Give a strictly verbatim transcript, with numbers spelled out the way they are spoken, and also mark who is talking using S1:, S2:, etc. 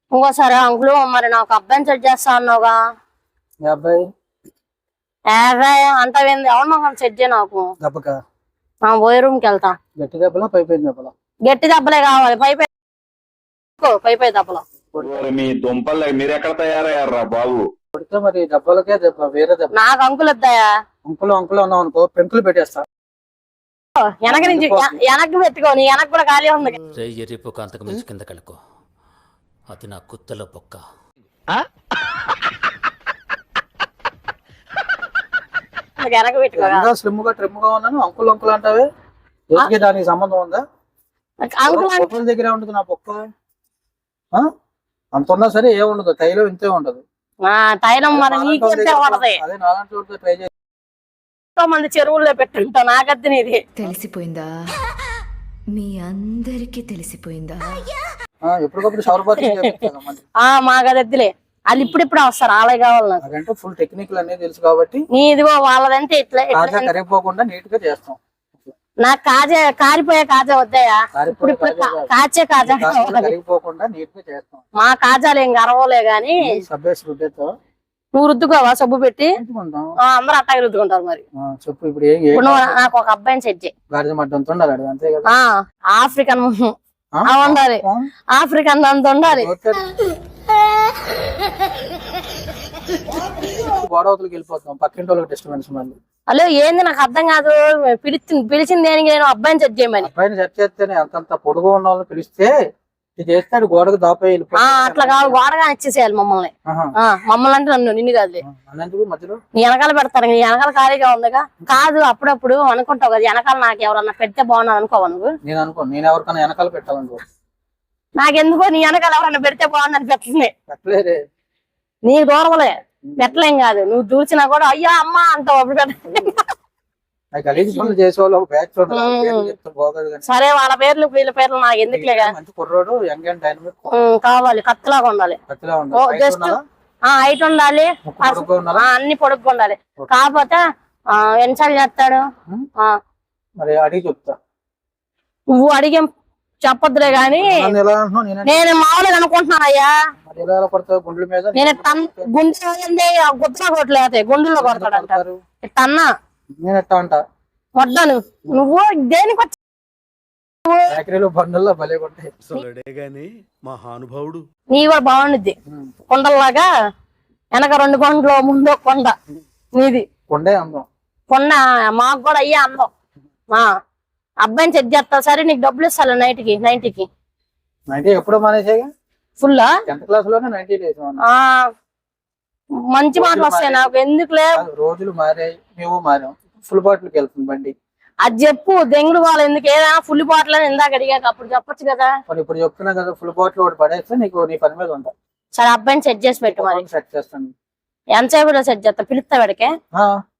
S1: ఇంకోసారి అంకులు మరి నాకు అబ్బాయిని సెట్ చేస్తా అన్నావుగా
S2: అబ్బాయి
S1: యాభై అంటావేంది ఎవరు నాకు సెట్ చేయ నాకు
S2: దెబ్బక
S1: పోయే రూమ్కి వెళ్తా
S2: గట్టి దెబ్బలా పై పై దెబ్బలా
S1: గట్టి దెబ్బలే కావాలి పై పై పై పై దెబ్బలు
S3: మీ దుంపలు మీరు ఎక్కడ తయారయ్యారా బాబు
S2: కొడితే మరి దెబ్బలకే దెబ్బ వేరే దెబ్బ
S1: నాకు అంకులు వద్దాయా
S2: అంకులు అంకులు అన్నావు అనుకో పెంకులు పెట్టేస్తా
S1: వెనక నుంచి వెనక్కి పెట్టుకో నీ వెనక్కి కూడా ఖాళీ ఉంది
S4: ఎర్రిపోక అంతకు మించి కింద కలుకో అది నా కుత్తలో పొక్క
S1: వెనక పెట్టుకో
S2: స్లిమ్ గా ట్రిమ్ గా ఉన్నాను అంకులు అంకులు అంటావే ఏదికి దానికి సంబంధం ఉందా
S1: అంకుల్
S2: పొక్కల దగ్గరే ఉంటుంది నా పొక్క అంత ఉన్నా సరే ఏముండదు తైలో ఇంతే ఉండదు
S1: తైలం మరి నీకు పడతాయి
S2: అదే నాలంటి ట్రై చేసి
S1: ఎంతో మంది చెరువుల్లో పెట్టుంటా నాకద్ది నీది
S5: తెలిసిపోయిందా మీ అందరికి తెలిసిపోయిందా
S2: ఎప్పటికప్పుడు షవర్ బాత్
S1: ఆ మాకదద్దులే వాళ్ళు ఇప్పుడిప్పుడు వస్తారు ఆలయ కావాలి నాకు
S2: నాకంటే ఫుల్ టెక్నిక్లు అనేది తెలుసు కాబట్టి
S1: నీ ఇదిగో వాళ్ళదంటే ఇట్లా
S2: కాజా కరిగిపోకుండా నీట్ గా చేస్తాం
S1: నాకు కాజా కారిపోయే కాజా వద్దాయా ఇప్పుడు ఇప్పుడు కాచే కాజా
S2: కరిగిపోకుండా నీట్ గా చేస్తాం
S1: మా కాజాలు ఏం గర్వలే గాని
S2: సబ్బేసి రుద్దేతో
S1: నువ్వు రుద్దుకోవా సబ్బు పెట్టి అందరూ అట్టాగి రుద్దుకుంటారు మరి
S2: చెప్పు ఇప్పుడు ఏం
S1: ఇప్పుడు నువ్వు నాకు ఒక అబ్బాయిని సెట్ చేయి
S2: గాడిద మడ్డంతో ఉండాలి అంతే కదా
S1: ఆఫ్రికన్ ఉండాలి ఆఫ్రికన్ అంత ఉండాలి
S2: గోడవతలకి వెళ్ళిపోతాం పక్కింటి వాళ్ళకి డిస్టర్బెన్స్ మళ్ళీ
S1: హలో ఏంది నాకు అర్థం కాదు పిలిచి పిలిచింది దేనికి నేను అబ్బాయిని సెట్ చేయమని
S2: అబ్బాయిని సెట్ చేస్తేనే అంతంత పొడుగు ఉన్న వాళ్ళని పిలిస్తే ఇది చేస్తాడు గోడకు దాపే
S1: అట్లా కాదు గోడగా ఇచ్చేసేయాలి మమ్మల్ని మమ్మల్ని అంటే నన్ను నిన్ను కాదులే
S2: మధ్యలో
S1: నీ వెనకాల పెడతారు నీ వెనకాల ఖాళీగా ఉందిగా కాదు అప్పుడప్పుడు అనుకుంటావు కదా వెనకాల నాకు ఎవరన్నా పెడితే బాగున్నాను అనుకోవా నువ్వు
S2: నేను అనుకో నేను ఎవరికైనా వెనకాల పెట్టాలనుకో
S1: నాకెందుకో నీ వెనకాల ఎవరన్నా పెడితే బాగుందని పెట్టలే
S2: పెట్టలేదే
S1: నీకు దూరమలే పెట్టలేం కాదు నువ్వు దూర్చినా కూడా అయ్యా అమ్మ అంటావు అప్పుడు
S2: గలీజ్ పనులు చేసేవాళ్ళు బ్యాచ్
S1: సరే వాళ్ళ పేర్లు వీళ్ళ పేర్లు నాకు ఎందుకులేగా
S2: మంచి కుర్రోడు యంగ్ అండ్ డైనమిక్
S1: కావాలి కత్తిలాగా ఉండాలి జస్ట్ హైట్ ఉండాలి అన్ని పొడుగ్గా ఉండాలి కాకపోతే ఎన్నిసార్లు చేస్తాడు
S2: మరి అడిగి చెప్తా
S1: నువ్వు అడిగే చెప్పొద్దులే గాని నేను మామూలుగా అనుకుంటున్నాను అయ్యా
S2: గుండెల మీద
S1: నేను గుండె గుద్దలో కొట్టలేదు గుండెల్లో కొడతాడు తన్నా
S2: నేను ఎట్టా అంటా
S1: వడ్డాను నువ్వు దేనికి వచ్చి
S2: బండల్లో భలే కొట్టాయి
S4: మహానుభావుడు
S1: నీ కూడా బాగుండిద్ది కొండల్లాగా వెనక రెండు కొండలు ముందు కొండ నీది
S2: కొండే అందం
S1: కొండ మాకు కూడా అయ్యే అందం మా అబ్బాయిని సెట్ చేస్తా సరే నీకు డబ్బులు ఇస్తాను నైట్ కి నైన్టీకి
S2: నైన్టీ ఎప్పుడో మానేసాగా
S1: ఫుల్
S2: టెన్త్ క్లాస్ లోనే నైన్టీ డేస్
S1: మంచి మాటలు వస్తాయి నాకు ఎందుకులే
S2: రోజులు మారాయి మేము మారాం ఫుల్ బాటిల్కి వెళ్తుంది బండి
S1: అది చెప్పు దెంగుడు వాళ్ళు ఎందుకు ఏదైనా ఫుల్ బాటిల్ అని ఇందాక అడిగాక అప్పుడు చెప్పొచ్చు కదా
S2: ఇప్పుడు చెప్తున్నా కదా ఫుల్ బాటిల్ ఒకటి పడేస్తే నీకు నీ పని మీద ఉంటా
S1: సరే అబ్బాయిని సెట్ చేసి పెట్టు మరి
S2: సెట్ చేస్తాను
S1: ఎంతసేపు సెట్ చేస్తా పిలుస్తా వాడికే